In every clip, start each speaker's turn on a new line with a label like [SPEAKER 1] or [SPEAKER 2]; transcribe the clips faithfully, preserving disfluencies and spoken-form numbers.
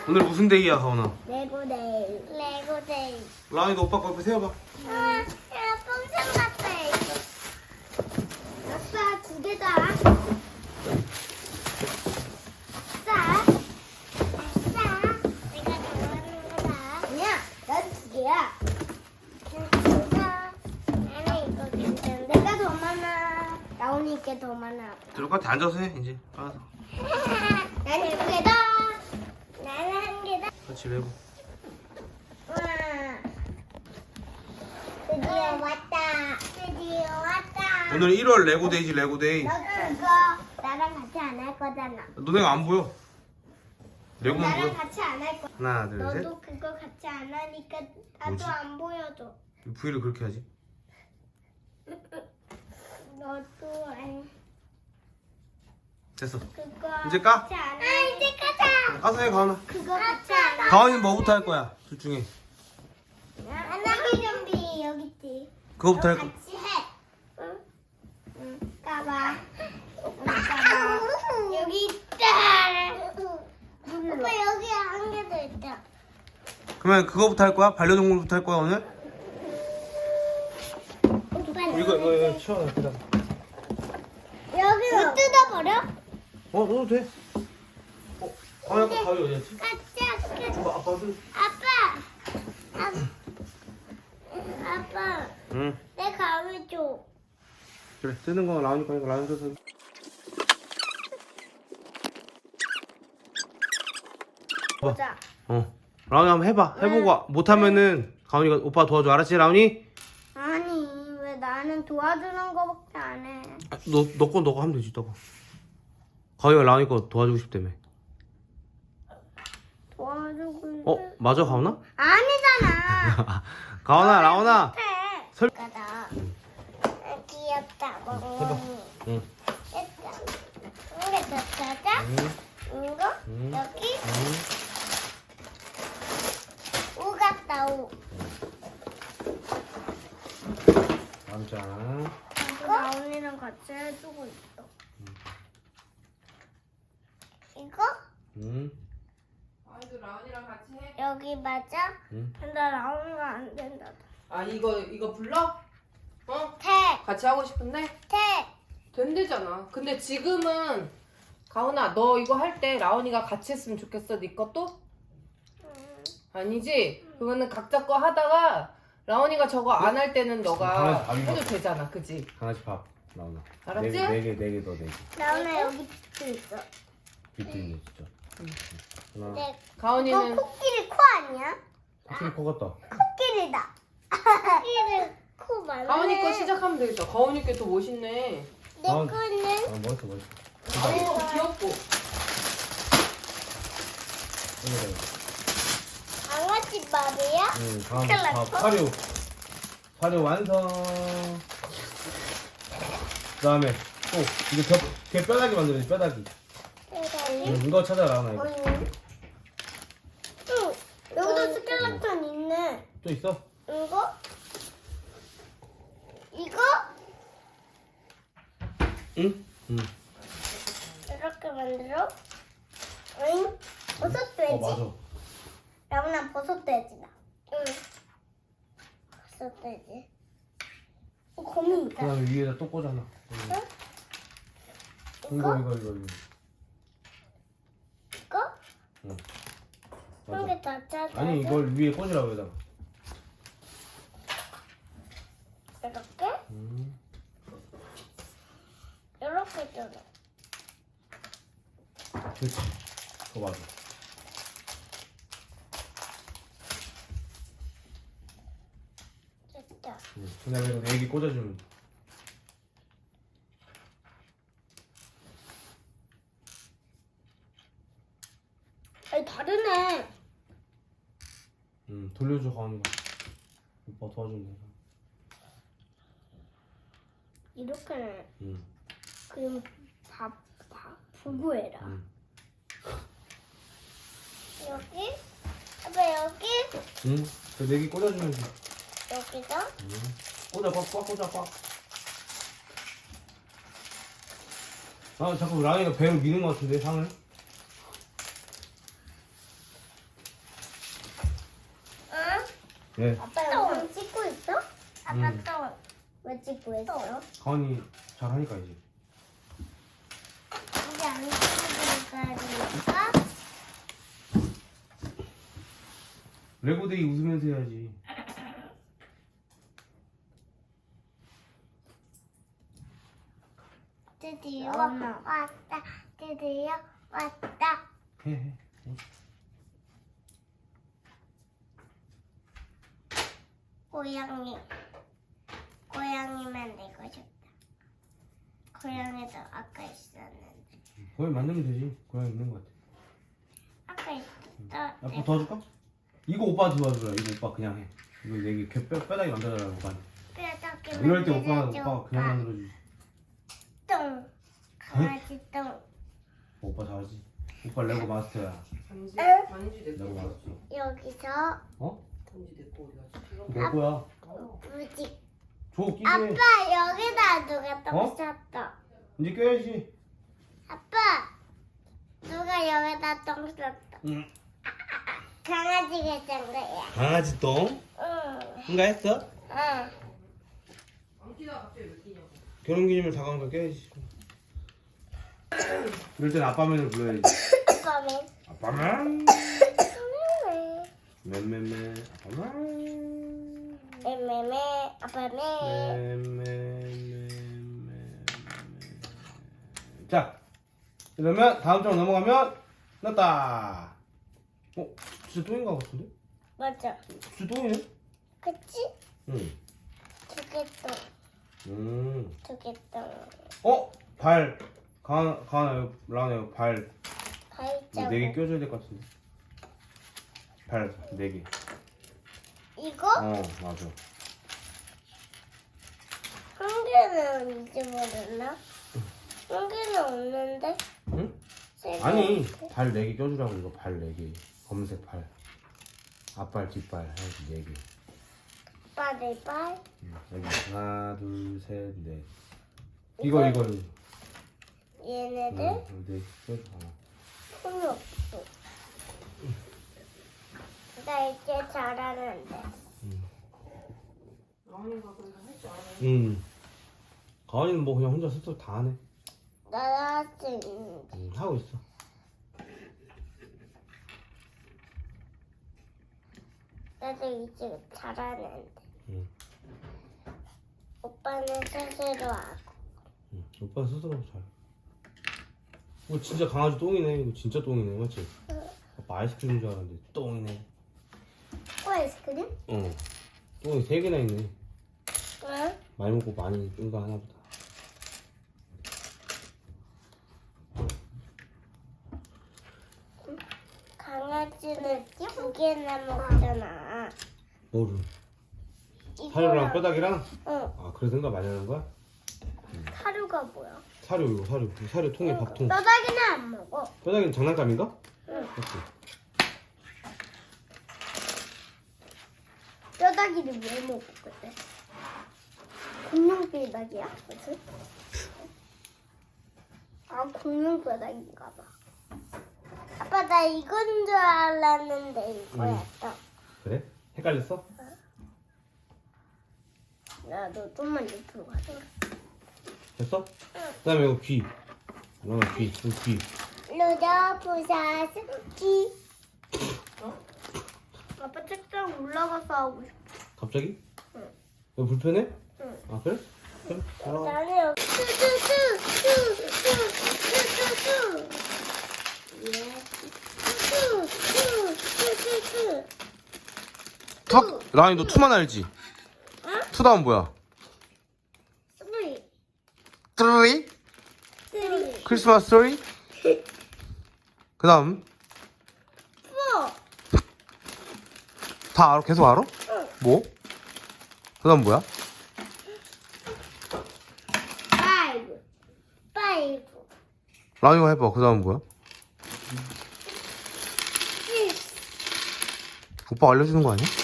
[SPEAKER 1] 오늘 무슨 데이야, 가온아?
[SPEAKER 2] 레고데이. 레고데이.
[SPEAKER 1] 라온이도 오빠 거 옆에 세워봐.
[SPEAKER 2] 아, 야, 뽕상 같다, 이거. 아빠, 두 개다. 아싸. 아싸. 내가 좋아하는 거다. 아니야, 난 두 개야. 나는 이거 괜찮아. 내가 더 많아. 나오니까 더 많아.
[SPEAKER 1] 들어올 것 같아. 앉아서 해, 이제. 알아서.
[SPEAKER 2] 난 두 개다. 나는 한 개다.
[SPEAKER 1] 그렇지, 레고.
[SPEAKER 2] 와. 드디어 왔다. 드디어 왔다.
[SPEAKER 1] 오늘 일월 레고데이지, 레고데이.
[SPEAKER 2] 너 그거 나랑 같이 안 할 거잖아.
[SPEAKER 1] 너네가 안 보여. 레고만
[SPEAKER 2] 나랑
[SPEAKER 1] 보여.
[SPEAKER 2] 같이 안 할 거.
[SPEAKER 1] 하나, 둘, 셋.
[SPEAKER 2] 너도 그거 같이 안 하니까 나도
[SPEAKER 1] 뭐지?
[SPEAKER 2] 안 보여줘.
[SPEAKER 1] V를 그렇게 하지.
[SPEAKER 2] 너도 안.
[SPEAKER 1] 됐어.
[SPEAKER 2] 그거
[SPEAKER 1] 이제 까?
[SPEAKER 2] 같이 안 하. 아 이제 까자.
[SPEAKER 1] 까서 해, 가온아.
[SPEAKER 2] 그거 같이 안 하.
[SPEAKER 1] 가온이는 뭐부터 할 거야? 둘 중에.
[SPEAKER 2] 안나기 좀비 여기 있지.
[SPEAKER 1] 그거부터
[SPEAKER 2] 너
[SPEAKER 1] 할 거.
[SPEAKER 2] 같이 해. 응? 응. 까봐. 응, 까봐. 여기 있다. 오빠 여기 한 개 더 있다.
[SPEAKER 1] 그러면 그거부터 할 거야? 반려동물부터 할 거야, 오늘?
[SPEAKER 2] 오빠
[SPEAKER 1] 이거, 이거, 이거 치워놔, 그다음.
[SPEAKER 2] 여기 못 뜯어버려?
[SPEAKER 1] 어, 넣어도 돼. 어, 가온이 아까 가위 어디 갔지?
[SPEAKER 2] 까짜.
[SPEAKER 1] 줘봐, 아빠 손.
[SPEAKER 2] 아빠. 아, 아빠.
[SPEAKER 1] 응.
[SPEAKER 2] 내 가위 줘.
[SPEAKER 1] 그래, 뜨는 거 라온이 거니까 라온이 써서.
[SPEAKER 2] 보자.
[SPEAKER 1] 어. 라온이 한번 해봐. 해보고 못하면은 가온이가 오빠 도와줘. 알았지, 라온이?
[SPEAKER 2] 아니 왜 나는 도와주는 거밖에 안 해.
[SPEAKER 1] 아, 너, 너 거 너거 하면 되지, 너거. 가온이가 라온이 거 도와주고 싶다며.
[SPEAKER 2] 도와주고 있는.
[SPEAKER 1] 어, 맞아, 가온아?
[SPEAKER 2] 아니잖아.
[SPEAKER 1] 가온아, 라온아.
[SPEAKER 2] 해.
[SPEAKER 1] 설-
[SPEAKER 2] 가다. 귀엽다. 멍멍이.
[SPEAKER 1] 응.
[SPEAKER 2] 됐다. 이게 더 찾아?
[SPEAKER 1] 응.
[SPEAKER 2] 이거
[SPEAKER 1] 응.
[SPEAKER 2] 여기
[SPEAKER 1] 응.
[SPEAKER 2] 오 같다 오.
[SPEAKER 1] 깜짝.
[SPEAKER 2] 나 언니랑 같이 해주고 있어. 이거
[SPEAKER 1] 응.
[SPEAKER 3] 아이도 라온이랑 같이 해.
[SPEAKER 2] 여기 맞아?
[SPEAKER 1] 응.
[SPEAKER 2] 근데 라온이가 안 된다.
[SPEAKER 3] 아 이거 이거 불러? 어?
[SPEAKER 2] 태,
[SPEAKER 3] 같이 하고 싶은데?
[SPEAKER 2] 태.
[SPEAKER 3] 된대잖아. 근데 지금은 가온아 너 이거 할 때 라온이가 같이 했으면 좋겠어. 네 것도?
[SPEAKER 2] 음,
[SPEAKER 3] 아니지? 그러면은 각자 거 하다가 라온이가 저거 안 할 때는 너가
[SPEAKER 1] 강아지 밥이
[SPEAKER 3] 해도
[SPEAKER 1] 먹어.
[SPEAKER 3] 되잖아. 그지?
[SPEAKER 1] 강아지 밥, 라온아.
[SPEAKER 3] 알았지?
[SPEAKER 1] 네 개, 네 개 더, 네 개.
[SPEAKER 2] 라온아 여기 또 있어.
[SPEAKER 1] 비트 있네, 진짜. 하나.
[SPEAKER 2] 근데 이거
[SPEAKER 3] 가온이는
[SPEAKER 2] 코끼리 코 아니야?
[SPEAKER 1] 확실히 커 같다.
[SPEAKER 2] 코끼리다. 코끼리 코 맞네.
[SPEAKER 3] 가온이 거 시작하면 되겠다. 가온이 게 더 멋있네.
[SPEAKER 2] 내
[SPEAKER 1] 가온-
[SPEAKER 2] 거는
[SPEAKER 1] 아, 멋있어, 멋있어.
[SPEAKER 3] 오 귀엽고.
[SPEAKER 1] 이거
[SPEAKER 2] 강아지 밥이야?
[SPEAKER 1] 응, 다음
[SPEAKER 2] 큰일
[SPEAKER 1] 밥,
[SPEAKER 2] 났어?
[SPEAKER 1] 사료. 사료 완성. 그 다음에 또, 이거 겨, 걔 뼈다귀 만들어야지, 뼈다귀.
[SPEAKER 2] 대단히.
[SPEAKER 1] 응, 이거 찾아, 라온아, 이거.
[SPEAKER 2] 응. 응. 여기도 스켈레톤 있네.
[SPEAKER 1] 또 있어?
[SPEAKER 2] 이거? 이거?
[SPEAKER 1] 응? 응.
[SPEAKER 2] 이렇게 만들어? 응? 버섯 돼지?
[SPEAKER 1] 어, 맞아.
[SPEAKER 2] 라온아 버섯 돼지다. 응. 버섯 돼지. 어, 거미
[SPEAKER 1] 그
[SPEAKER 2] 있다.
[SPEAKER 1] 다음에 위에다 또 꽂아놔. 응.
[SPEAKER 2] 응?
[SPEAKER 1] 이거,
[SPEAKER 2] 이거?
[SPEAKER 1] 이거, 이거, 이거.
[SPEAKER 2] 이거?
[SPEAKER 1] 응.
[SPEAKER 2] 한
[SPEAKER 1] 맞아.
[SPEAKER 2] 개 더 짜자.
[SPEAKER 1] 아니, 이걸 위에 꽂으라고, 여기다가.
[SPEAKER 2] 이렇게?
[SPEAKER 1] 음.
[SPEAKER 2] 이렇게 뜯어.
[SPEAKER 1] 그렇지. 그거 맞아.
[SPEAKER 2] 됐다.
[SPEAKER 1] 응. 그 다음에 이거 네 개 꽂아주면 돼.
[SPEAKER 2] 아니 다르네.
[SPEAKER 1] 응, 돌려줘, 가온이가. 오빠 도와주면 돼.
[SPEAKER 2] 이렇게는
[SPEAKER 1] 응.
[SPEAKER 2] 그럼 밥, 밥 부부해라.
[SPEAKER 1] 응.
[SPEAKER 2] 여기? 아빠 여기?
[SPEAKER 1] 응. 그 네 개 꽂아주면 돼.
[SPEAKER 2] 여기다?
[SPEAKER 1] 응. 꽂아, 꽉, 꽉, 꽂아, 꽉. 아, 자꾸 라온이가 배를 미는 것 같은데, 상을? 예.
[SPEAKER 2] 아빠 영상 찍고 있어? 아빠
[SPEAKER 1] 음.
[SPEAKER 2] 또 왜 찍고 있어?
[SPEAKER 1] 가은이 잘 하니까 이제.
[SPEAKER 2] 이제 안 찍으니까
[SPEAKER 1] 레고데이 웃으면서 해야지.
[SPEAKER 2] 드디어 왔다. 드디어 왔다.
[SPEAKER 1] 해 해.
[SPEAKER 2] 고양이. 고양이 만들고 싶다. 고양이도 아까 있었는데.
[SPEAKER 1] 고양이 만들면 되지. 고양이 있는 것 같아.
[SPEAKER 2] 아까 있었다.
[SPEAKER 1] 아빠 도와줄까? 이거 오빠 도와주라. 이거 오빠 그냥 해. 이거 내게 뼈, 뼈다귀 만들어달라고 오빠. 이럴 때 오빠 오빠 그냥 만들어주지.
[SPEAKER 2] 똥. 강아지 똥.
[SPEAKER 1] 오빠 잘하지. 오빠 레고 마스터야.
[SPEAKER 3] 반지
[SPEAKER 2] 응?
[SPEAKER 3] 반지 내
[SPEAKER 1] 레고
[SPEAKER 3] 거야.
[SPEAKER 1] 마스터.
[SPEAKER 2] 여기서
[SPEAKER 1] 어?
[SPEAKER 3] 반지 내 거야.
[SPEAKER 1] 내 거야.
[SPEAKER 3] 어.
[SPEAKER 2] 무지.
[SPEAKER 1] 줘 끼게.
[SPEAKER 2] 아빠 여기다 누가 똥
[SPEAKER 1] 어?
[SPEAKER 2] 쌌다.
[SPEAKER 1] 이제 껴야지.
[SPEAKER 2] 아빠 누가 여기다 똥 쌌다.
[SPEAKER 1] 응.
[SPEAKER 2] 강아지가 짠 거야.
[SPEAKER 1] 강아지 똥?
[SPEAKER 2] 응.
[SPEAKER 1] 응가 했어?
[SPEAKER 2] 응.
[SPEAKER 3] 안 끼다 갑자기 왜 끼냐고.
[SPEAKER 1] 결혼기념일 다가오니까 껴야지. 이럴 땐 아빠맨을 불러야지.
[SPEAKER 2] 아빠는
[SPEAKER 1] 아빠맨.
[SPEAKER 2] 왜?
[SPEAKER 1] 맨맨맨. 아빠맨.
[SPEAKER 2] 매매매 아빠매.
[SPEAKER 1] 맨맨맨맨. 자, 그러면 다음 장 넘어가면 났다. 어, 진짜 똥인 것 같은데?
[SPEAKER 2] 맞아.
[SPEAKER 1] 진짜 똥이네?
[SPEAKER 2] 그치?
[SPEAKER 1] 응.
[SPEAKER 2] 두개 똥.
[SPEAKER 1] 음.
[SPEAKER 2] 두개 똥.
[SPEAKER 1] 어, 발. 가은, 가은아, 라은아, 발.
[SPEAKER 2] 발자국.
[SPEAKER 1] 네 개 껴줘야 될 것 같은데. 발 네 개.
[SPEAKER 2] 이거?
[SPEAKER 1] 어, 맞아.
[SPEAKER 2] 한 개는 잊어버렸나? 한 개는 없는데?
[SPEAKER 1] 응?
[SPEAKER 2] 세 개.
[SPEAKER 1] 아니, 발 네 개 껴주라고 이거 발 네 개. 검은색 발. 앞발, 뒷발 해야지 네 개.
[SPEAKER 2] 아빠 내 발.
[SPEAKER 1] 응, 여기 하나, 둘, 셋, 넷. 이거 이거 이거.
[SPEAKER 2] 얘네들
[SPEAKER 1] 응, 네 개. 어.
[SPEAKER 2] 손이 없어. 나 이제 잘하는데.
[SPEAKER 3] 라온이가 그래서 할 줄 알아.
[SPEAKER 1] 응. 가은이는 뭐 그냥 혼자 스스로 다 하네.
[SPEAKER 2] 나도 할 수 있는데.
[SPEAKER 1] 응, 하고 있어.
[SPEAKER 2] 나도 이제 잘하는데.
[SPEAKER 1] 응.
[SPEAKER 2] 오빠는 스스로 하고.
[SPEAKER 1] 응. 오빠 스스로 잘. 이거 진짜 강아지 똥이네. 이거 진짜 똥이네, 맞지? 아빠 아이스크림인 줄 알았는데 똥이네.
[SPEAKER 2] 어, 아이스크림?
[SPEAKER 1] 어. 똥이 세 개나 있네.
[SPEAKER 2] 응?
[SPEAKER 1] 많이 먹고 많이 뜬거 하나 보다.
[SPEAKER 2] 강아지는 두 개나 먹잖아.
[SPEAKER 1] 뭐를?
[SPEAKER 2] 이거랑-
[SPEAKER 1] 사료랑 뼈다귀랑?
[SPEAKER 2] 응.
[SPEAKER 1] 아, 그래서 생각 많이 하는 거야?
[SPEAKER 2] 사료가 뭐야?
[SPEAKER 1] 사료, 이거 사료. 이 사료 통에 밥통.
[SPEAKER 2] 뼈다귀는 안 먹어.
[SPEAKER 1] 뼈다귀는 장난감인가?
[SPEAKER 2] 응.
[SPEAKER 1] 그치?
[SPEAKER 2] 뼈다귀를 왜 먹어 그때? 공룡 뼈다귀야, 그치? 아, 공룡 뼈다귀인가 봐. 아빠 나 이건 줄 알았는데 이거였어.
[SPEAKER 1] 그래? 헷갈렸어?
[SPEAKER 2] 나도 좀만 옆으로 가자.
[SPEAKER 1] 됐어? 그 다음에 이거 귀. 이거 귀. 이거 귀.
[SPEAKER 2] 루더부사스 기. 아빠 책상 올라가서 하고 싶어.
[SPEAKER 1] 갑자기?
[SPEAKER 2] 응.
[SPEAKER 1] 이거 불편해?
[SPEAKER 2] 응.
[SPEAKER 1] 아, 그래? 그래. 올라가.
[SPEAKER 2] 나는 여기 뚜뚜뚜뚜뚜뚜뚜뚜. 예. 뚜뚜뚜뚜뚜뚜.
[SPEAKER 1] 투! 라은이 너 투만 알지?
[SPEAKER 2] 응?
[SPEAKER 1] 투다운 뭐야?
[SPEAKER 2] 쓰리.
[SPEAKER 1] 트리?
[SPEAKER 2] 쓰리.
[SPEAKER 1] 크리스마스 트리? 그 다음?
[SPEAKER 2] 포.
[SPEAKER 1] 다 알아? 계속 알아?
[SPEAKER 2] 응.
[SPEAKER 1] 뭐? 그 다음 뭐야?
[SPEAKER 2] 파이브. 파이브.
[SPEAKER 1] 라은이가 해봐. 그 다음 뭐야?
[SPEAKER 2] 식스.
[SPEAKER 1] 오빠 알려주는 거 아니야?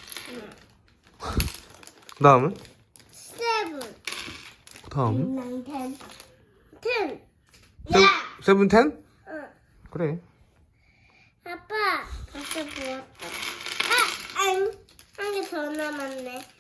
[SPEAKER 1] 그 다음은?
[SPEAKER 2] 세븐.
[SPEAKER 1] 그 다음은?
[SPEAKER 2] 나인 텐. 텐.
[SPEAKER 1] 세븐,
[SPEAKER 2] 야.
[SPEAKER 1] 세븐 텐?
[SPEAKER 2] 응.
[SPEAKER 1] 그래.
[SPEAKER 2] 아빠, 벌써 부었다. 아, 안, 한 개 남았네.